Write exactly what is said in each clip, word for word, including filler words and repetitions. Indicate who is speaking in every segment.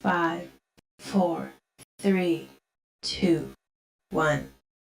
Speaker 1: five, four, three, two, one.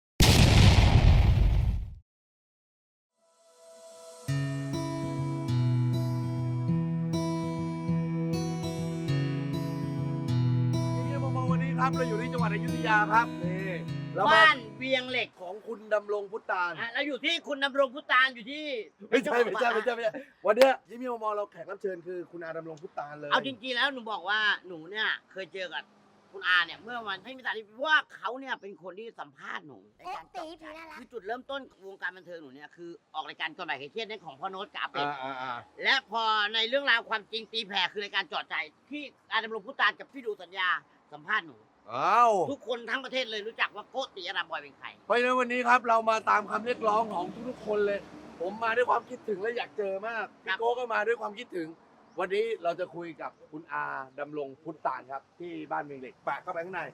Speaker 2: วันนี้ครับเราอยู่ที่จังหวัดอยุธยาครับนี่แล้ว
Speaker 3: บ้านเวียงเหล็ก
Speaker 2: ของคุณดำรงพุตาน
Speaker 3: อ่ะเราอยู่ที่คุณดำรงพุตานอยู่ที่
Speaker 2: ไม่ใช่ไม่ใช่ไม่ใช่ไม่ใช่วันเนี้ยที่มีมอเราแขกรับเชิญคือคุณอาดำรงพุตานเลย
Speaker 3: เอาจริงๆแล้วหนูบอกว่าหนูเนี่ยเคยเจอกับคุณอาเนี่ยเมื่อวันให้มีสารที่ว่าเขาเนี่ยเป็นคนที่สัมภาษณ์หนูในการตีผีน่ารักคือจุดเริ่มต้นวงการบันเทิงหนูเนี่ยคือออกรายการก่อนบ่ายเครียดในของพ่อโน้ตกับอาเป็ด
Speaker 2: อ่าอ่าอ่า
Speaker 3: และพอในเรื่องราวความจริงตีแผ่คือรายการจอดใจที่อาดำรงพุตานกับพี่ดูสัญญาสัมภาษณ์หนู
Speaker 2: อ้าว
Speaker 3: ทุกคนทั้งประเทศเลยรู้จักว่าโกติอาราบอยเป็นใคร
Speaker 2: เพราะฉะนั้นวันนี้ครับเรามาตามคำเรียกร้องของทุกๆคนเลย ผมมาด้วยความคิดถึงและอยากเจอมากพี่โก้ก็มาด้วยความคิดถึง วันนี้เราจะคุยกับคุณอาดำรงพุตานครับที่บ้านเวียงเหล็กแปะเข้าไปข้างใน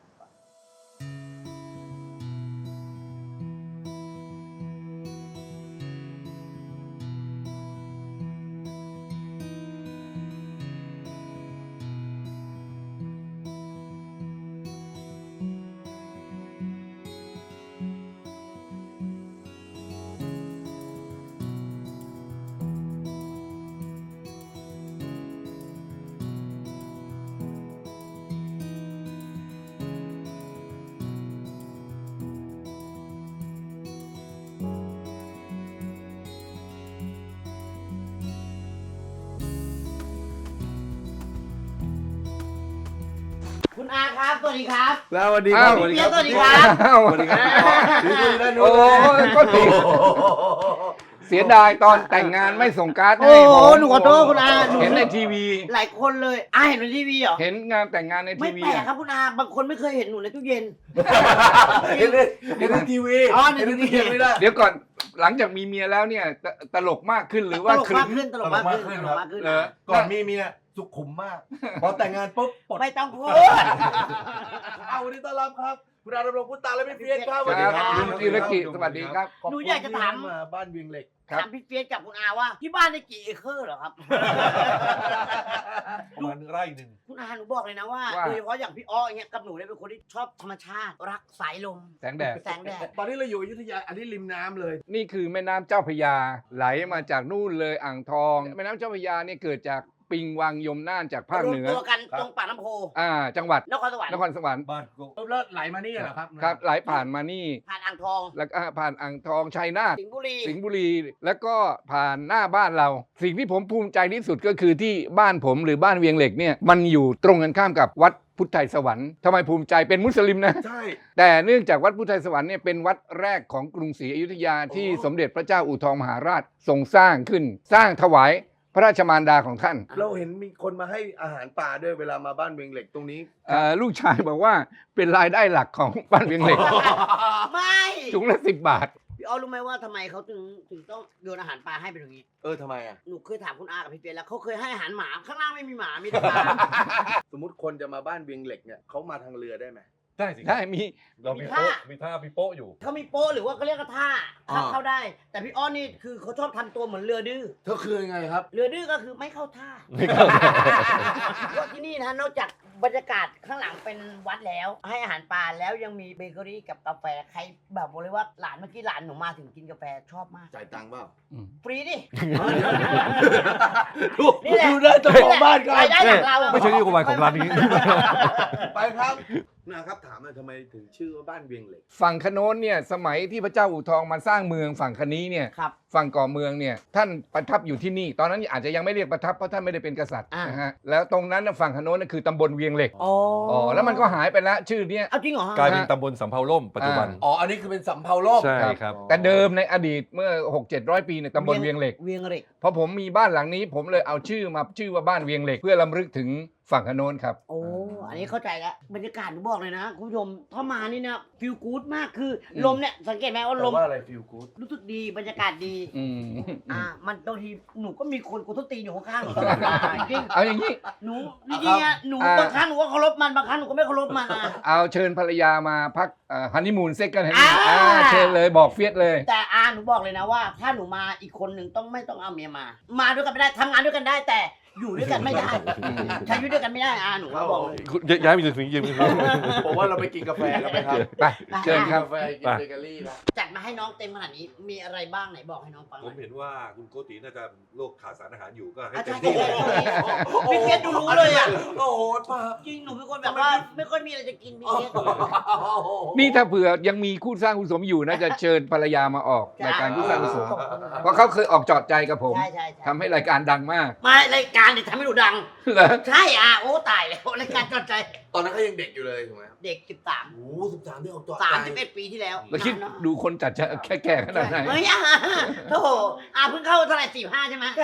Speaker 3: คุณอาครับสวัสดีครับ
Speaker 2: แล้ววันนี้
Speaker 4: อ้าว
Speaker 3: สวัสดีครับสวัสดีครับ
Speaker 2: สวัสดีครับถือคุยด้านนู้
Speaker 4: โอ้
Speaker 2: น
Speaker 4: ยก็ติดเสียดายตอนแต่งงานไม่ส่งการ์ด
Speaker 3: โอ้
Speaker 4: ให้
Speaker 3: โห
Speaker 4: ผม
Speaker 3: หนูขอโทษคุณอาหนู
Speaker 4: เห็นในทีวี
Speaker 3: หลายคนเลยอาเห็นในทีวีเหรอ
Speaker 4: เห็นงานแต่งงานใน
Speaker 3: ไม่
Speaker 4: ทีวี
Speaker 3: แปลกครับคุณอาบางคนไม่เคยเห็นหนูในตู้เย็น
Speaker 2: เห็นเลยเห็นในทีวี
Speaker 3: อ๋อใน
Speaker 2: เห็นใน
Speaker 3: ที
Speaker 2: ที
Speaker 3: วี
Speaker 2: วีไม่ได้
Speaker 4: เดี๋ยวก่อนหลังจากมีเมียแล้วเนี่ยตตลกมากขึ้นหรือ
Speaker 3: ต
Speaker 4: ว่า
Speaker 3: ลก
Speaker 4: คลึ
Speaker 3: มากขึ้นตลกมากขึ้น
Speaker 2: ตลกมากขึ้น
Speaker 3: ตลกมากขึ้น
Speaker 4: เหรอ
Speaker 2: ก่อนมีเมียสุขุมมาก พอแต่งงานปุ๊บปลด
Speaker 3: ไม่ต้องพูด
Speaker 2: เอาวันนี้ต้อนรับครับคุณอาดำรงพุตานและพี่เฟียสครับ
Speaker 4: ค
Speaker 2: สวัสดี
Speaker 4: รับ
Speaker 2: ครับ
Speaker 4: คุณธีรกิจสวัสดีครับ
Speaker 2: ขบ
Speaker 3: หนู
Speaker 2: คุณ
Speaker 3: อยากจะถาม
Speaker 2: ที่มาบ้านเวียงเหล็ก
Speaker 4: ครับ
Speaker 3: ถามพี่เฟียสกับคุณอาว่าที่บ้านได้กี่เอเคอร์เหรอครับ
Speaker 5: ประมาณไร่หนึ่ง
Speaker 3: คุณอาหนูบอกเลยนะว่า
Speaker 4: ว่า
Speaker 3: โดยเฉพาะอย่างพี่อ้ออย่างเงี้ยกับหนูเนี่ยเป็นคนที่ชอบธรรมชาติ รักสายลม
Speaker 4: แสงแดด
Speaker 3: แสงแดด
Speaker 2: ตอนนี้เราอยู่อยุธยาอันนี้ริมน้ำเลย
Speaker 4: นี่คือแม่น้ำเจ้าพระยาไหลมาจากนู่นเลยอ่างทอง แม่น้ำเจ้าพระยาเนี่ยเกิดจากปิงวังยมน่านจากภาค
Speaker 3: รว
Speaker 4: เห
Speaker 3: ม
Speaker 4: นือ
Speaker 3: ตัวกันตรงปากน้ำโพ
Speaker 4: อ่าจังหวัด
Speaker 3: นครสวรรค์
Speaker 4: นครสวรรค์
Speaker 5: บ้านก็
Speaker 2: แล้วไหลมานี่เหรอครับ
Speaker 4: ครับไหลผ่านมานี่
Speaker 3: ผ่านอ่างทอง
Speaker 4: แล้วก็ผ่านอ่างทองชัยนาท
Speaker 3: สิงห์บุรี
Speaker 4: สิงห์บุรีแล้วก็ผ่านหน้าบ้านเรา สิ่งที่ผมภูมิใจที่สุดก็คือที่บ้านผมหรือบ้านเวียงเหล็กเนี่ยมันอยู่ตรงกันข้ามกับวัดพุทธไทยสวรรค์ทำไมภูมิใจเป็นมุสลิมนะ
Speaker 2: ใช่
Speaker 4: แต่เนื่องจากวัดพุทธไทยสวรรค์เนี่ยเป็นวัดแรกของกรุงศรีอยุธยาที่
Speaker 2: โอ้
Speaker 4: สมเด็จพระเจ้าอู่ทองมหาราชทรงสร้างขึ้น สร้างถวายพระราชมารดาของท่าน
Speaker 2: เราเห็นมีคนมาให้อาหารปลาด้วยเวลามาบ้านเวียงเหล็กตรงนี้
Speaker 4: เอ่อลูกชายบอกว่าเป็นรายได้หลักของบ้านเวียงเหล็ก
Speaker 3: ไม่
Speaker 4: ถุงละสิบบาท
Speaker 3: พี่อ้อรู้ไหมว่าทำไมเขาถึงถึงต้องโยนอาหารปลาให้เป็นอย่างนี้
Speaker 2: เออทำไมอ่ะ
Speaker 3: หนูเคยถามคุณอากับพี่เปียแล้วเขาเคยให้อาหารหมาข้างล่างไม่มีหมามีแต่ปลา
Speaker 2: สมมติคนจะมาบ้านเวียงเหล็กเนี่ยเขามาทางเรือได้ไหม
Speaker 5: ได้สิ
Speaker 4: ได้มี
Speaker 5: เรามี
Speaker 3: มี
Speaker 5: โป๊ะ
Speaker 3: ท่ามี
Speaker 5: มีท่ามีโป๊ะอยู่
Speaker 3: เขามีโป้หรือว่าเขาเรียกว่าท่า
Speaker 2: อ่า
Speaker 3: เข้าเข้าได้ แต่พี่อ้อนี่คือเขาชอบทำตัวเหมือนเรือดื้อ
Speaker 2: เธอคือยังไงครับ
Speaker 3: เรือดื้อก็คือไม่เข้าท่า
Speaker 5: ไม่เข้า
Speaker 3: เพราะที่นี่นะนอกจากบรรยากาศข้างหลังเป็นวัดแล้ว ให้อาหารปลาแล้วยังมีเบเกอรี่กับกาแฟใครแบบบอกเลยว่าหลานเมื่อกี้หลานหนูมาถึงกินกาแฟชอบมาก
Speaker 2: จ่ายตังค์เปล่า
Speaker 3: ฟรีดิ
Speaker 2: ดู
Speaker 3: นี่แหละ
Speaker 2: ดูได้เจ้าของบ้านกัน
Speaker 3: รายได้จากเรา
Speaker 5: ไม่ใช่นโยบายของร้านนี้
Speaker 2: ไปครับนะครับถามหน่อยทำไมถึงชื่อว่าบ้านเวียงเหล็ก
Speaker 4: ฝั่งคโน้นเนี่ยสมัยที่พระเจ้าอู่ทองมาสร้างเมืองฝั่งคนี้เนี่ย
Speaker 3: ครับ
Speaker 4: ฝั่งก่อเมืองเนี่ยท่านประทับอยู่ที่นี่ ตอนนั้นอาจจะยังไม่เรียกประทับเพราะท่านไม่ได้เป็นกษัตริย์
Speaker 3: อ่าน
Speaker 4: นะฮะแล้วตรงนั้นน่ะฝั่งคโน้นน่ะคือตำบลเวียงเหล็ก
Speaker 3: อ๋อ
Speaker 4: อ๋อแล้วมันก็หายไปแล้วชื่อเนี้ย
Speaker 3: เอาจริงเหรอฮะ
Speaker 5: กลายเป็นตำบลสำเภาล่มปัจจุบัน
Speaker 2: อ๋ออันนี้คือเป็นสำเภาล่ม
Speaker 5: ใช่ครับ
Speaker 4: แต่เดิมในอดีตเมื่อ หกเจ็ดร้อย ปีเนี่ยตำบลเวียงเหล็ก
Speaker 3: เวียงเหล็ก
Speaker 4: พอผมมีบ้านหลังนี้ผมเลยเอาชื่อมาชื่อว่าบ้านเวียงเหล็ก เพื่อรำลึกถึงฝั่งคโน้นครับ
Speaker 3: โอ้ อันนี้เข้าใจแล้ว บรรยากาศหนูบอกเลยนะคุณผู้ชม ถ้ามานี่นะฟิลกู๊ดมาก คืออ
Speaker 4: ม
Speaker 3: ลมเนี่ย สังเกตไหมว่าล
Speaker 2: แต่
Speaker 3: ม
Speaker 2: ว่าอะไรฟิลกู๊ด
Speaker 3: รู้สึกดี บรรยากาศดี
Speaker 4: อืม
Speaker 3: อ่า มันบางทีหนูก็มีคนกูต้องตีนอยู่ข้างๆหนูตลอดเวลาจริง
Speaker 4: เอาอย่างนี้
Speaker 3: ๆหนูจริงๆอะหนู
Speaker 4: อ่า
Speaker 3: บางครั้งหนูก็เคารพมัน บางครั้งหนูก็ไม่เคารพมันอะ
Speaker 4: เอาเชิญภรรยามาพักฮันนีมูนเซ็กกันเห็นไหม
Speaker 3: อ่า
Speaker 4: อ่าเชิญเลยบอกเฟียสเลย
Speaker 3: แต่อาหนูบอกเลยนะว่า ถ้าหนูมาอีกคนหนึ่งต้องไม่ต้องเอาเมียมา มาด้วยกันไม่ได้ทำงานด้วยกันได้ แต่อยู่ด้วยกันไม่ได้ใช้ชีวิตด้วยกันไม่ได้อาหนูว่าบอกเลย
Speaker 5: ย้ายไปถึงยิง
Speaker 2: ผมว่าเราไปกินกาแฟกันไหมครับ
Speaker 4: ไปเชิญครับ
Speaker 2: กาแฟกินเบเกอรี่นะ
Speaker 3: จัดมาให้น้องเต็มขนาดนี้มีอะไรบ้างไหนบอกให้น้องฟังห
Speaker 5: ผ
Speaker 3: น่อ
Speaker 5: ม
Speaker 3: ย
Speaker 5: เห็นว่าคุณโกติน่าจะโรคขาดสารอาหารอยู่ก็ให้
Speaker 3: อา
Speaker 5: เต็
Speaker 3: จาม รย์
Speaker 5: ที่เลย
Speaker 3: พี่เพชรดูรู้เลยอ่ะ
Speaker 2: โอ้โหป้า
Speaker 3: จริงหนูเป็นคนแบบว่าไม่ค่อยมีอะไรจะกินพี่เพชร
Speaker 4: นี่ถ้าเผื่อยังมีคู่สร้างคู่สมอยู่น่าจะเชิญภรรยามาออกรายการคู่สร้างคู่สมเพราะเขาเคยออกจอดใจกับผม
Speaker 3: ใช่ใช่
Speaker 4: ทำให้รายการดังมาก
Speaker 3: มารายการเนี่ยทำให้หนูดัง
Speaker 4: เหรอ
Speaker 3: ใช่อ่ะโอ้ตายแล้วรายการจอดใจ
Speaker 2: ตอนนั้นเขายังเด็กอยู่เลยถูกไหมครับ
Speaker 3: เด็กสิบสาม
Speaker 2: โอ้สิบสามที่ออกตัว
Speaker 3: สามสิบเอ็ดปีที่แล้ว
Speaker 4: แล้วคิด
Speaker 3: นานเนอะ
Speaker 4: ดูคนจัดจะแค่แก่ขนาดไหน
Speaker 3: เฮ้ยอ่ะโธ่อาเพิ่งเข้าเท่าไหร่สี่ห้าใช่ไหม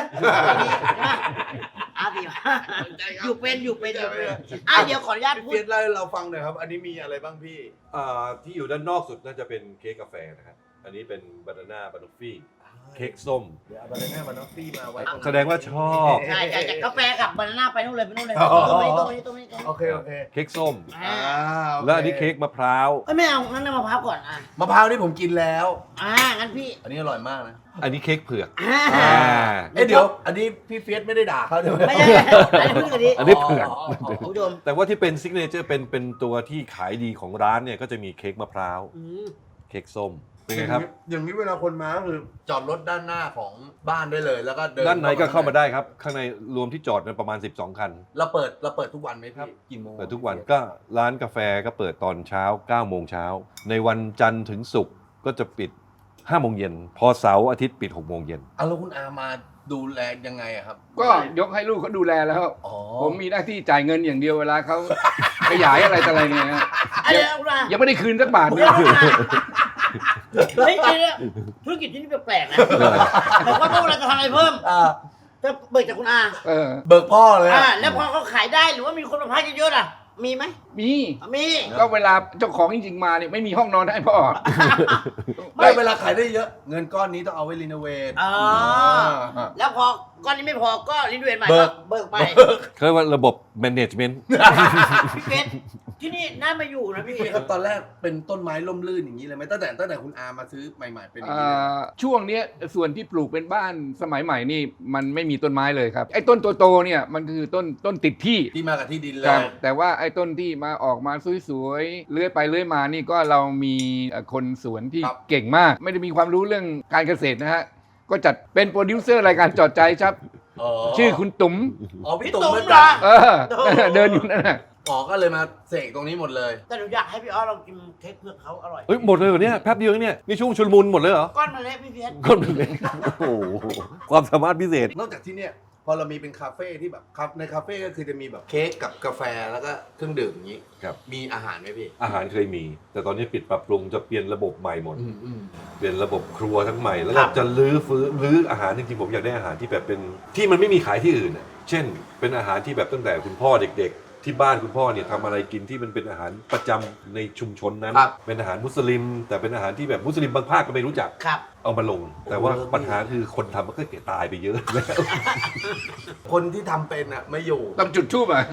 Speaker 3: อาสี่ห้าอยู่เป็นอยู่เป็นอยู่เป็นอ่ะเดี๋ยวขออนุญาต
Speaker 2: พี่
Speaker 3: พู
Speaker 2: เฟี
Speaker 3: ด
Speaker 2: ยสเล่าให้เราฟังหน่อยครับ อันนี้มีอะไรบ้างพี่
Speaker 5: อ่าที่อยู่ด้านนอกสุดน่าจะเป็นเค้กกาแฟนะครับอันนี้เป็นบานาน่าบานอฟฟี่เค้กส้ม
Speaker 2: เดี๋ยวเอาบานาน่าบานอฟฟี่มาไว้ตรงนี้
Speaker 5: แสดงว่าชอบ
Speaker 3: ใช่ใช่จากกาแฟกับบานาน่าไปนู่นเลยไปนู่นเลย
Speaker 2: อ๋อ
Speaker 3: ตรงนี้ตรงนี้ตรงนี้ตรงนี้
Speaker 2: โอเคโอเค
Speaker 5: เค้กส้ม
Speaker 3: อ่า
Speaker 2: โอ
Speaker 5: แล้วอันนี้เค้กมะพร้าว
Speaker 3: เอ้ยไม่เอางั้นน้ำมะพร้าวก่อนอ่ะ
Speaker 2: มะพร้าวนี่ผมกินแล้ว
Speaker 3: อ่างั้นพี่
Speaker 2: อันนี้อร่อยมากนะ
Speaker 5: อันนี้เค้กเผือก
Speaker 3: อ่า
Speaker 5: อ่า
Speaker 2: เอ๊ะเดี๋ยว อันนี้พี่เฟียสไม่ได้ด่าเขาใช่ไหม
Speaker 3: ไม่ใช่อันนี้พูดกันดิ
Speaker 5: อันนี้เผือก
Speaker 3: คุณผู้ชม
Speaker 5: แต่ว่าที่เป็นซิกเนเจอร์เป็นเป็นตัวที่ขายดีของร้านเนี่ยก็จะมีเค้กมะพร้าว
Speaker 3: อืม
Speaker 5: เค้กส้มเป็นไงครับ
Speaker 2: อย่างนี้เวลาคนมาก็คือจอดรถด้านหน้าของบ้านได้เลย แล้วก็เดิน
Speaker 5: ด้านในก็เข้ามาได้ครับ ข้างในรวมที่จอดเป็นประมาณสิบสองคัน
Speaker 2: เราเปิดเราเปิดทุกวันไหมพี่กี่โมง
Speaker 5: เปิดทุกวันก็ร้านกาแฟก็เปิดตอนเช้าเก้าโมงเช้าในวันจันทร์ถึงศุกร์ก็จะปิดห้าโมงเย็นพอเสาร์อาทิตย์ปิดหกโมงเย็น
Speaker 2: เอาแล้วคุณอามาดูแลยังไงอะครับ
Speaker 4: ก็ยกให้ลูกเขาดูแลแล้ว
Speaker 2: อ๋อ
Speaker 4: ผมมีหน้าที่จ่ายเงินอย่างเดียวเวลาเขา ขยายอะไรต่ออะไรเนี่ยฮะ
Speaker 3: อะไรนะคุณอา
Speaker 4: ยังไม่ได้คืนสักบาทเล
Speaker 3: เดี๋
Speaker 4: ย
Speaker 3: ยวคุณอาเฮ้ยเดี๋ยวธุรกิจที่นี่แปลกๆนะแต่ว่าพวกเราจะทำอะไรเพิ่ม
Speaker 2: อ่า
Speaker 3: จะเบิกจากคุณอา
Speaker 4: เออ
Speaker 2: เบิกพ่อเลย
Speaker 3: อ่า
Speaker 2: อะ
Speaker 3: แล้วพอเขาขายได้หรือว่ามีคนมาพักเยอะๆอ่ะ มีไหม
Speaker 4: มี
Speaker 3: มี
Speaker 4: ก็เวลาเจ้าของจริงๆมาเนี่ยไม่มีห้องนอนให้พ่อ
Speaker 2: ไม่เวลาขายได้เยอะ เงินก้อนนี้ต้องเอาไว้รีโนเวท
Speaker 3: อ๋อ
Speaker 2: อ่า
Speaker 3: แล้วพอก้อนนี้ไม่พอก็รีโนเวทใหม่
Speaker 2: เบิ
Speaker 3: ก็
Speaker 2: ก
Speaker 3: เบิกไป
Speaker 5: เขาเรียกว่าระบบ management
Speaker 3: พี่เพชรที่นี่น่ามาอยู่นะพี่
Speaker 2: ครับตอนแรกเป็นต้นไม้ล่มลื่นอย่างนี้เลยไหมตั้งแต่ตั้งแต่คุณอามาซื้อใหม่ๆเป็นอย่าง
Speaker 4: อ่
Speaker 2: นี้เลย
Speaker 4: าช่วงเนี้ยส่วนที่ปลูกเป็นบ้านสมัยใหม่นี่มันไม่มีต้นไม้เลยครับไอ้ต้นโตๆเนี่ยมันคือต้นต้นติดที่
Speaker 2: ที่มากับที่ดินเล
Speaker 4: ครับ
Speaker 2: ย
Speaker 4: แต่ว่าไอ้ต้นที่มาออกมาสวยๆเลื้อยไปเลื้อยมานี่ก็เรามีเอ่อคนสวนที่
Speaker 2: ครับ
Speaker 4: เก่งมาก ไม่ได้มีความรู้เรื่องการเกษตรนะฮะก็จัดเป็นโปรดิวเซอร์รายการจอดใจครับ ชื่อคุณตุ๋ม
Speaker 2: อ๋อพี่
Speaker 3: พี่
Speaker 2: ตุ๋
Speaker 3: ตุ๋
Speaker 2: ม
Speaker 3: ม
Speaker 2: เหมือน
Speaker 3: เหร
Speaker 2: กั
Speaker 3: อน
Speaker 4: เออ เดินอยู่นั่นน่ะ
Speaker 2: อ๋อก็เลยมาเสกตรงนี้หมดเลย
Speaker 3: แต่หนูอยากให้พี่อ้อลองกินเค้กเผือกเขาอร่อย
Speaker 5: เฮ้ยหมดเลยเหรอเนี่ยแป๊บเดียวเองเนี่ยนี่ช่วงชุลมุนหมดเลยเหรอ
Speaker 3: ก้อนมาเล็กพี่เพชร
Speaker 5: ก็มันเลยโอ้โหความสามารถพิเศษ
Speaker 2: นอกจากที่เนี่ยพอเรามีเป็นคาเฟ่ที่แบบครับในคาเฟ่ก็คือจะมีแบบเค้กกับกาแฟแล้วก็เครื่องดื่มอย่างนี้
Speaker 5: ครับ
Speaker 2: มีอาหารไหมพี่
Speaker 5: อาหารเคยมี แต่ตอนนี้ปิดปรับปรุงจะเปลี่ยนระบบใหม่หมด
Speaker 2: อืมอืม
Speaker 5: เปลี่ยนระบบครัวทั้งใหม่แล้ว
Speaker 2: ค
Speaker 5: ก็
Speaker 2: รับ
Speaker 5: จะลื้อฟื้นลื้ออาหารจริงๆผมอยากได้อาหารที่แบบเป็นที่มันไม่มีขายที่อื่นน่ะเช่น เป็นอาหารที่แบบตั้งแต่คุณพ่อเด็กๆ ที่บ้านคุณพ่อเนี่ยทำอะไรกินที่มันเป็นอาหารประจำในชุมชนนั้น
Speaker 2: ครับ
Speaker 5: เป็นอาหารมุสลิม แต่เป็นอาหารที่แบบมุสลิมบางภาคก็ไม่รู้จัก
Speaker 3: ครับ
Speaker 5: เอามาลง แต่ว่า
Speaker 2: โอ้โห
Speaker 5: ปัญหาคือคนทำมันก็เกลียดตายไปเยอะแล้ว
Speaker 2: คนที่ทำเป็นอ่ะไม่อยู่
Speaker 4: ต้องจุดทูบอ่ะ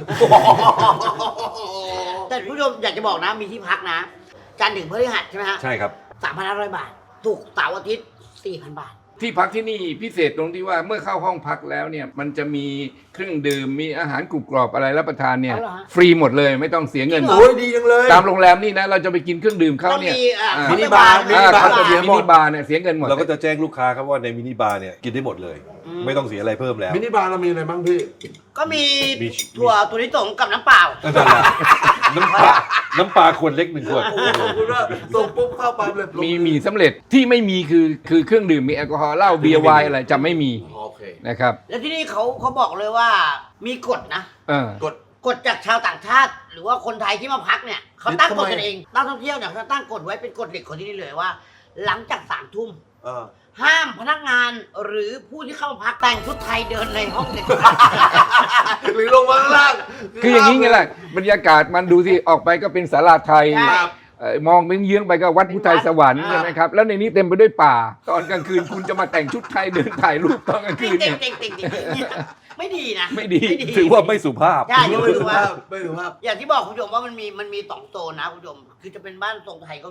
Speaker 3: แต่ผู้ชมอยากจะบอกนะมีที่พักนะ จันทร์ถึงพฤหัสใช่ไหมฮะ
Speaker 5: ใช่ครับ
Speaker 3: สามพันห้าร้อยบาทถูกร์เสาร์อาทิตย์สี่พันบาท
Speaker 4: ที่พักที่นี่พิเศษตรงที่ว่าเมื่อเข้าห้องพักแล้วเนี่ยมันจะมีเครื่องดื่มมีอาหารกรุบกรอบอะไรรับประทานเนี่ย
Speaker 3: เอาเหรอฮะ
Speaker 4: ฟรีหมดเลยไม่ต้องเสียเงิน
Speaker 3: จริงเหร
Speaker 2: โอ้ยดีจังเลย
Speaker 4: ตามโรงแรมนี่นะเราจะไปกินเครื่องดื่มเขา
Speaker 3: ต้อง
Speaker 4: เนี่ย
Speaker 3: มีอ่า
Speaker 4: อ่า
Speaker 2: มินิบาร์มินิ
Speaker 4: อ่า
Speaker 2: บาร์
Speaker 4: เขาจะ
Speaker 2: เสี
Speaker 4: มี
Speaker 2: ย
Speaker 4: มิ
Speaker 2: หม
Speaker 4: นิ
Speaker 2: ด
Speaker 4: บาร์เนี่ยเสียเงินหมด
Speaker 5: เราก็จะแจ้งลูกค้าครับว่าในมินิบาร์เนี่ยกินได้หมดเลย
Speaker 3: อืม
Speaker 5: ไม่ต้องเสียอะไรเพิ่มแล้ว
Speaker 2: มินิบาร์เรามีอะไรบ้างพี่
Speaker 3: ก็มี
Speaker 5: มี
Speaker 3: ถั่วถั่วลิสงกับน้ำเปล่า
Speaker 5: นั่นแหละน้ำปลาน้ำปลาขวดเล็กหนึ่งขวด
Speaker 2: โอ้โหขอบคุณว่าส่งปุ๊บเข้าปั๊บเลย
Speaker 4: มีมีสำเร็จที่ไม่มีคือคือเครื่องดื่มมีแอลกอฮอล์เหล้าเบียร์ไวน์อะไรจะไม่มี
Speaker 2: โอเค
Speaker 4: นะครับ
Speaker 3: แล้วที่นี่เขาเขาบอกเลยว่ามีกฎนะ
Speaker 4: เออก
Speaker 2: ด
Speaker 3: กฎจากชาวต่างชาติ หรือว่าคนไทยที่มาพักเนี่ยเขาตั้งกฎกันเองนักท่องเที่ยวเนี่ยเขาตั้งกฎไว้เป็นกฎเหล็กของที่นี่เลยว่า หลังจากสามทุ่ม
Speaker 2: เออ
Speaker 3: ห้ามพนักงานหรือผู้ที่เข้ามาพักแต่งชุดไทยเดินในห้องเด็ก
Speaker 2: หรือลงมาข้างล่าง
Speaker 4: คืออย่างนี้ไงล่ะบรรยากาศมันดูที่ออกไปก็เป็นศาลาไทย
Speaker 3: ใช่
Speaker 2: ครับ
Speaker 4: เอ่อมองเป็นเยื้องไปก็วัดพุทธไทยสวรรค์
Speaker 2: อ่า
Speaker 4: ใช่ไหมครับแล้วในนี้เต็มไปด้วยป่า ตอนกลางคืนคุณจะมาแต่งชุดไทยเดินถ่ายรูปตอนกลาง
Speaker 3: ติ
Speaker 4: คื
Speaker 3: ง
Speaker 4: น
Speaker 3: ติ
Speaker 4: เนี่
Speaker 3: ง
Speaker 4: ย
Speaker 3: ติงติงติงไม่ดีนะ
Speaker 4: ไม่ดี
Speaker 5: ถือว่าไม่สุภาพ
Speaker 3: ใช่ยังไม่
Speaker 2: ไม่
Speaker 3: รู้
Speaker 2: ดู
Speaker 3: ว่า
Speaker 2: ภาพไม่ดูภาพ
Speaker 3: อย่างที่บอกคุณผู้ชมว่ามันมีมันมีสองโซนนะคุณผู้ชมคือจะเป็นบ้านทรงไทยก็มี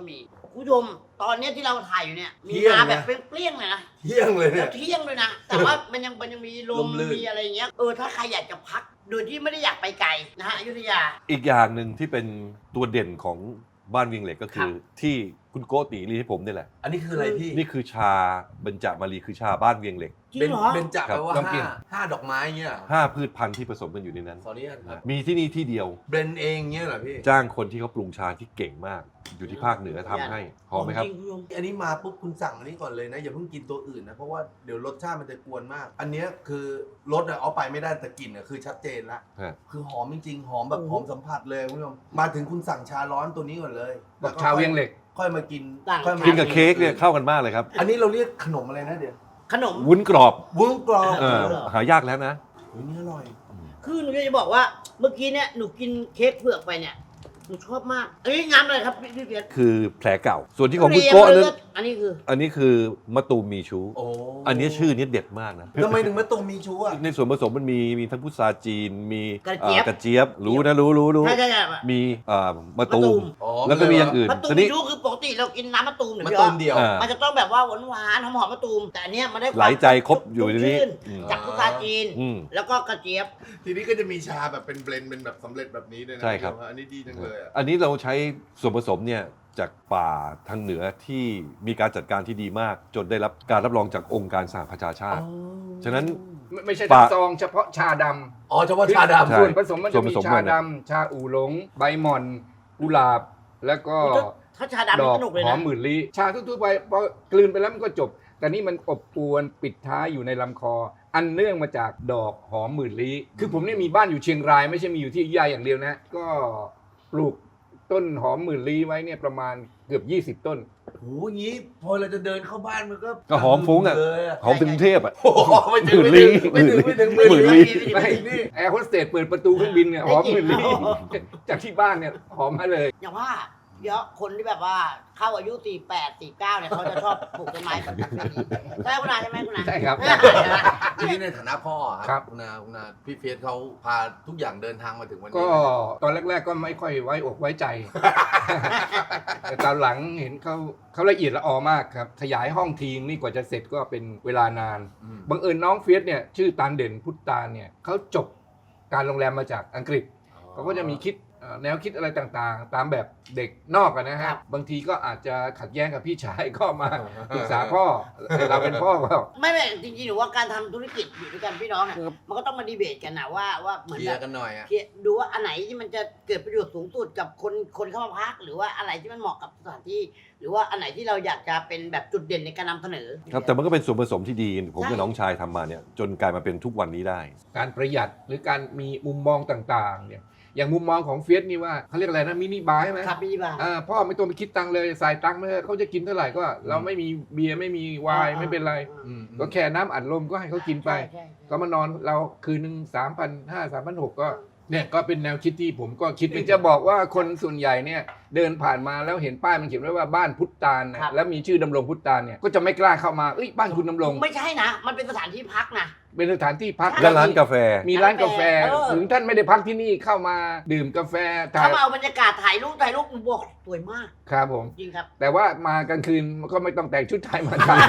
Speaker 3: คุณผู้ชมตอนเนี้ยที่เราถ่ายอยู่เนี่ยมี
Speaker 2: เที่ยง
Speaker 3: มา
Speaker 2: นะ
Speaker 3: แบบเปรี้ยงๆเลยนะ
Speaker 2: เที่ยงเลยเนี่
Speaker 3: แล้
Speaker 2: ยว
Speaker 3: เที่ยงด้วยนะ แต่ว่ามันยังมันยังมีล
Speaker 2: ล
Speaker 3: ม
Speaker 2: มลื่น
Speaker 3: มีอะไรอย่างเงี้ยเออถ้าใครอยากจะพักโดยที่ไม่ได้อยากไปไกลนะฮะอยุธยา
Speaker 5: อีกอย่างหนึ่งที่เป็นตัวเด่นของบ้านเวียงเหล็กก็คือ ที่คุณโกติรีให้ผมนี่แหละ
Speaker 2: อันนี้คืออะไรพี่
Speaker 5: นี่คือชาเบญจมารีคือชาบ้านเวียงเหล็ก
Speaker 3: จริ
Speaker 2: เป็
Speaker 3: ง
Speaker 2: น
Speaker 3: เหรอ
Speaker 2: เป็นจับ
Speaker 5: ครับ
Speaker 2: แปลว่า
Speaker 4: ลองกิน
Speaker 2: ห้าห้าดอกไม้เงี้ยเหรอ
Speaker 5: ห้าพืชพันธุ์ที่ผสมกันอยู่ในนั้น
Speaker 2: ขออนุญาตครับ
Speaker 5: มีที่นี่ที่เดียว
Speaker 2: เบรนเองเงี้ยเหรอพี่
Speaker 5: จ้างคนที่เขาปรุงชาที่เก่งมาก อยู่ที่ภาคเหนือทำให้หอมไหมครับ
Speaker 3: จงณผู้ชม
Speaker 2: อันนี้มาปุ๊บคุณสั่งอันนี้ก่อนเลยนะอย่าเพิ่งกินตัวอื่นนะเพราะว่าเดี๋ยวรสชาติมันจะกวนมาก อันเนี้ยคือรสอะเอาไปไม่ได้แต่กลิ่นอะคือชัดเจนละ
Speaker 5: ฮะ
Speaker 2: คือหอมจริงๆหอมแบบหอมสัมผัสเลยคุณผู้ชมมาถึงคุณสั่งชาร้อนตัวนี้ก่อนเลย
Speaker 4: บอกชาเวียงเหล็ก
Speaker 2: ค่อยมากิน
Speaker 3: ต่าง
Speaker 2: ค่อยมา
Speaker 5: กินกับเค้กเนี่ยเข้ากันมากเลยครับ
Speaker 2: อันนี้เราเรียกขนมอะไรนะเดี๋ยว
Speaker 3: ขนม
Speaker 5: วุ้นกรอบ
Speaker 2: วุ้นกรอบ
Speaker 5: เออหายากแล้วนะ
Speaker 2: อุ๊ยนี่อร่อย
Speaker 3: คือหนูจะบอกว่าเมื่อกี้เนี่ยหนูกินเค้กเผือกไปเนี่ยหนูชอบมากอันนี้งามเลยครับพี่พี่เพียร
Speaker 5: คือแผลเก่า ส่วนที่ของคุณโก้นั้น
Speaker 3: อันนี้คือ
Speaker 5: อันนี้คือมะตูมมีชู
Speaker 2: โอ้
Speaker 5: อันนี้ชื่อนี้เด็ดมากนะ
Speaker 2: ทำไมถึงมะตูมมีชูอ่ะ
Speaker 5: ในส่วนผสมมันมีมีทั้งพุทราจีน มี
Speaker 3: กระเจี๊ยบ
Speaker 5: อ่ากระเจี๊ยบ รู้นะรู้รู้รู้
Speaker 3: ใช่ใช่ใช่
Speaker 5: มีเอ่อมะตู
Speaker 3: มะตู
Speaker 5: ม
Speaker 3: ม
Speaker 2: อ๋อ
Speaker 5: แล้วก็มีอย่างอื่น
Speaker 3: มะตูม
Speaker 5: ที
Speaker 3: มี
Speaker 5: นี้
Speaker 3: ชูคือปกติเรากินน้ำมะตูมเนี่ย
Speaker 2: มะ
Speaker 3: พี่
Speaker 2: ตู
Speaker 3: อ๊อ
Speaker 2: ม
Speaker 3: ฟ
Speaker 2: เดียว
Speaker 5: อ่า
Speaker 3: มันจะต้องแบบว่าหวานหวานๆหอมหอมๆมะตูมแต่อันเนี้ยมันได้ความ
Speaker 5: ไหลใจครบอยู่ในนี้
Speaker 3: ชุ่ม
Speaker 5: อืม
Speaker 3: จากพุทราจีน
Speaker 5: อืม
Speaker 3: แล้วก็กระเจี๊ยบ
Speaker 2: ทีนี้ก็จะมีชาแบบเป็นเบลนด์เป็นแบบสำเร็จแบบนี้ด้วยนะ
Speaker 5: ใช่ครับ
Speaker 2: อันนี้ดีจังเลยอ่ะ
Speaker 5: อันนี้เราใช้ส่วนผสมเนี่ยจากป่าทางเหนือที่มีการจัดการที่ดีมาก จนได้รับการรับรองจากองค์การสหประชาชาติ ฉะนั้น
Speaker 4: ไม่ไม่ใช่
Speaker 5: ปะ
Speaker 4: ทั้งซองเฉพาะชาดำ
Speaker 2: อ๋อเฉพาะชาดำ
Speaker 5: ใช่
Speaker 4: ส่วนผสมมัน
Speaker 5: ส่
Speaker 4: จะ
Speaker 5: วนผ
Speaker 4: มี
Speaker 5: สม
Speaker 4: ชา
Speaker 5: มันน่ะ
Speaker 4: ดำชาอู่หลง ใบหม่อน กุหลาบ แล้วก็
Speaker 3: ถ้าชาดำ
Speaker 4: ด
Speaker 3: นี่
Speaker 4: อก
Speaker 3: สนุกเลย
Speaker 4: หอ
Speaker 3: นะ
Speaker 4: มหมื่นลี้ชาทั่วๆไปพอกลืนไปแล้วมันก็จบ แต่นี่มันอบอวนปิดท้ายอยู่ในลำคอ อันเนื่องมาจากดอกหอมหมื่นลี้คือผมเนี่ยมีบ้านอยู่เชียงราย ไม่ใช่มีอยู่ที่อยุธยาอย่างเดียวนะ ก็ปลูกต้นหอมหมื่นลี้ไว้เนี่ยประมาณเกือบยี่สิบต้น
Speaker 2: โหงี้พอเราจะเดินเข้าบ้านมันก็
Speaker 5: ก็หอมฟุ้งอะ
Speaker 2: เลยอะ
Speaker 5: หอมถึงกรุงเทพอ่ะ
Speaker 2: โอ้โหไม่ถึง
Speaker 5: หมื่
Speaker 2: ไม่
Speaker 5: นลี้
Speaker 2: ถึงไม่ถึงไม่ถึง
Speaker 5: หมื่นลี้
Speaker 2: ไม่
Speaker 4: ไม่
Speaker 2: ถึงนี่
Speaker 4: แอร์โฮสเตสเปิดประตูเครื่องบินเนี่ยหอมหมื่นลี้จากที่บ้านเนี่ยหอมมาเลย
Speaker 3: อย่างว่าเยอะคนที่แบบว่าเข้าอายุสี่แปด สี่เก้าเนี่ยเขาจะชอบปลูกต้นไม้แบบนี้ใช่คุณอาใช่ไหมคุณอา
Speaker 4: ใช่ครับ
Speaker 2: ทีนี้ในฐานะพ่ออะ
Speaker 4: ครับ
Speaker 2: คุณอาคุณอาพี่เฟียสเขาพาทุกอย่างเดินทางมาถึงวันนี้
Speaker 4: ก็ตอนแรก ๆ ก็ไม่ค่อยไว้อกไว้ใจ แต่ตอนหลังเห็นเขาเขาละเอียดละออมากครับ ขยายห้องทีมนี่กว่าจะเสร็จก็เป็นเวลานาน
Speaker 2: อืม
Speaker 4: บังเอิญน้องเฟียสเนี่ยชื่อตาลเด่นพุทธาเนี่ยเขาจบการโรงแรมมาจากอังกฤษ เขาก็จะมีคิดเอ่อแนวคิดอะไรต่างๆ ตามแบบเด็กนอกอะนะ
Speaker 3: ครั
Speaker 4: ฮะ
Speaker 3: บ
Speaker 4: บางทีก็อาจจะขัดแย้งกับพี่ชาย ก็มาปรึกษาพ่อแต่เราเป็นพ่อก็
Speaker 3: ไม่ไม่จริงๆหนูว่าการทำธุรกิจอยู่ด้วยกันพี่น้องเนี่ย
Speaker 5: ครับ
Speaker 3: มันก็ต้องมาดีเบตกันนะว่าว่าเหมือน
Speaker 2: เคลี
Speaker 3: แบ
Speaker 2: ย
Speaker 3: บ
Speaker 2: ร์กันหน่อยอะ
Speaker 3: เคลียร์ดูว่าอันไหนที่มันจะเกิดประโยชน์สูงสุดกับคนคนเข้ามาพัก หรือว่าอะไรที่มันเหมาะกับสถานที่ หรือว่าอันไหนที่เราอยากจะเป็นแบบจุดเด่นในการนำเสนอ
Speaker 5: ครับแต่มันก็เป็นส่วนผสมที่ดี ผมกับ
Speaker 3: ใช่
Speaker 5: น้องชายทำมาเนี่ยจนกลายมาเป็นทุกวันนี้ได้
Speaker 4: การประหยัดหรือการมีมุมมองต่างๆเนี่ยอย่างมุมมองของเฟียสนี่ว่าเขาเรียกอะไรนะมินิบาร์ใช่ไหม
Speaker 3: ครับพี่บ้า
Speaker 4: อ่าพ่อไม่ต้องไปคิดตังค์เลยใส่ตังค์ไม่ได้เขาจะกินเท่าไหร่ก็ เราไม่มีเบียร์ไม่มีไวน์ไม่เป็นไร
Speaker 2: อืม
Speaker 4: ก็แค่น้ำอัดลมก็ให้เขากินไป
Speaker 3: ใช่ใช่
Speaker 4: ก็มานอนเราคืนหนึ่งสามพันห้าสามพันหกก็เนี่ยก็เป็นแนวคิดที่ผมก็คิดจะบอกว่าคนส่วนใหญ่เนี่ยเดินผ่านมาแล้วเห็นป้ายมันเขียนไว้ว่าบ้านพุทธตาลนะแล้วมีชื่อดำรงพุทธตาลเนี่ยก็จะไม่กล้าเข้ามาเอ้ยบ้านคุณดำรง
Speaker 3: ไม่ใช่นะ มันเป็นสถานที่พักนะ
Speaker 4: เป็นสถานที่พัก
Speaker 5: และร้านกาแฟ
Speaker 4: มีร้านกาแฟ
Speaker 3: เออ
Speaker 4: ถึงท่านไม่ได้พักที่นี่เข้ามาดื่มกาแฟถ่า
Speaker 3: ถ้าย มาเอาบรรยากาศถ่ายรูปถ่ายรูปบอกสวยมาก
Speaker 4: ครับผม
Speaker 3: จริงครับ
Speaker 4: แต่ว่ามากลางคืนก็ไม่ต้องแต่งชุดไทยมาถ่าย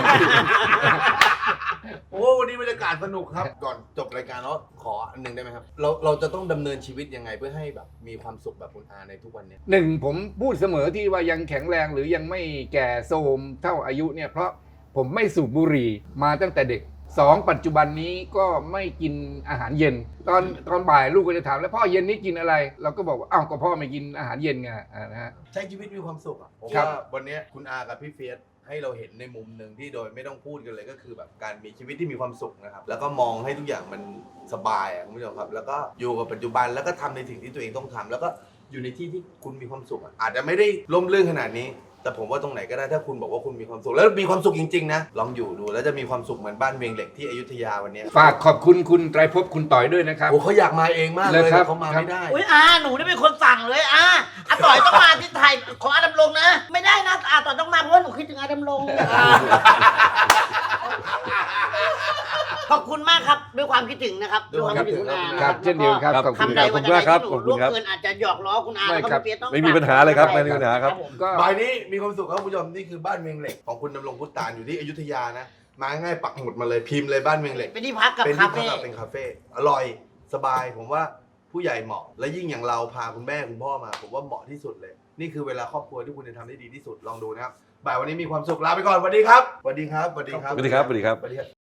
Speaker 2: โอ้วันนี้บรรยากาศสนุกครับ ก่อนจบรายการแล้วขออันหนึงได้ไหมครับ เราเราจะต้องดำเนินชีวิตยังไงเพื่อให้แบบมีความสุขแบบคุณอาในทุกวันเนี้ย
Speaker 4: หนึ่งผมพูดเสมอที่ว่ายังแข็งแรงหรือยังไม่แก่โทรมเท่าอายุเนี่ยเพราะผมไม่สูบบุหรี่มาตั้งแต่เด็กสองปัจจุบันนี้ก็ไม่กินอาหารเย็น ตอนตอนบ่ายลูกก็จะถามแล้วพ่อเย็นนี้กินอะไร เราก็บอกว่าอ้าวก็พ่อไม่กินอาหารเย็นไงอ่านะฮะ
Speaker 2: ใช้ชีวิตมีความสุขอ่ะผม
Speaker 4: ครับ
Speaker 2: ว่าวันเนี้ยคุณอากับพี่เฟียสให้เราเห็นในมุมหนึ่งที่โดยไม่ต้องพูดกันเลยก็คือแบบการมีชีวิตที่มีความสุขนะครับแล้วก็มองให้ทุกอย่างมันสบายอ่ะคุณผู้ชมครับ แล้วก็อยู่กับปัจจุบันแล้วก็ทำในสิ่งที่ตัวเองต้องทำแล้วก็อยู่ในที่ที่คุณมีความสุขอะอาจจะไม่ได้ล่มลื่นขนาดนี้ แต่ผมว่าตรงไหนก็ได้ถ้าคุณบอกว่าคุณมีความสุขแล้วมีความสุขจริงๆนะลองอยู่ดูแล้วจะมีความสุขเหมือนบ้านเวียงเหล็กที่อยุธยาวันเนี้ย
Speaker 4: ฝากขอบคุณคุณไตรภพคุณต่อยด้วยนะครับ
Speaker 2: โอ้เขาอยากมาเองมากเลย
Speaker 4: เลยครับ
Speaker 2: แต่เขามาไม่ได้
Speaker 3: อุ้ยอาหนูได้เป็นคนสั่งเลยอาอาต่อยต้องมาที่ไทยของอาดำรงนะ ไม่ได้นะอาต่อยต้องมาเพราะว่าหนูคิดถึงอาดำรงขอบคุณมากครับด้วยความคิดถึงนะครับด้วยความคิดถึงคุณอา
Speaker 4: ค
Speaker 3: นะ
Speaker 4: รับเช่นเดียวกันครับขอบคุณ
Speaker 3: คำใด
Speaker 4: ครับ
Speaker 3: วันใดที่หนูล่วงเกินอาจจะหยอกล้อคุณอา
Speaker 4: ไม่
Speaker 3: แล้วก็
Speaker 4: ครับ
Speaker 3: พี่เปียกต้อง
Speaker 5: ไม่มีปัญหาเลยครับไม่มีปัญหาครับ
Speaker 3: ผม
Speaker 4: ก็
Speaker 2: บ่ายนี้มีความสุขครับคุณผู้ชมนี่คือบ้านเมืองเหล็กของคุณดำรงพุทธานอยู่ที่อยุธยานะมาง่ายปักหมุดมาเลยพิมพ์เลยบ้านเมืองเหล็ก
Speaker 3: เป็นที่พักกับ
Speaker 2: เป็น
Speaker 3: คา
Speaker 2: ที่พัก
Speaker 3: เฟ่
Speaker 2: กับเป็นคาเฟ่อร่อยสบายผมว่าผู้ใหญ่เหมาะ และยิ่งอย่างเราพาคุณแม่คุณพ่อมาผมว่าเหมาะที่สุดเลย นี่คือเวลาครอบครัวที่คุณจะทำได้ดีที่สุดลองดูนะครับบ่ายวันนี้มีความสุขลาไปก่อนสวัสดีครับสวัสดีครับสวัสดีครับ
Speaker 5: สวัสดีครับสวัสดีครับ
Speaker 2: สวัสดีครับ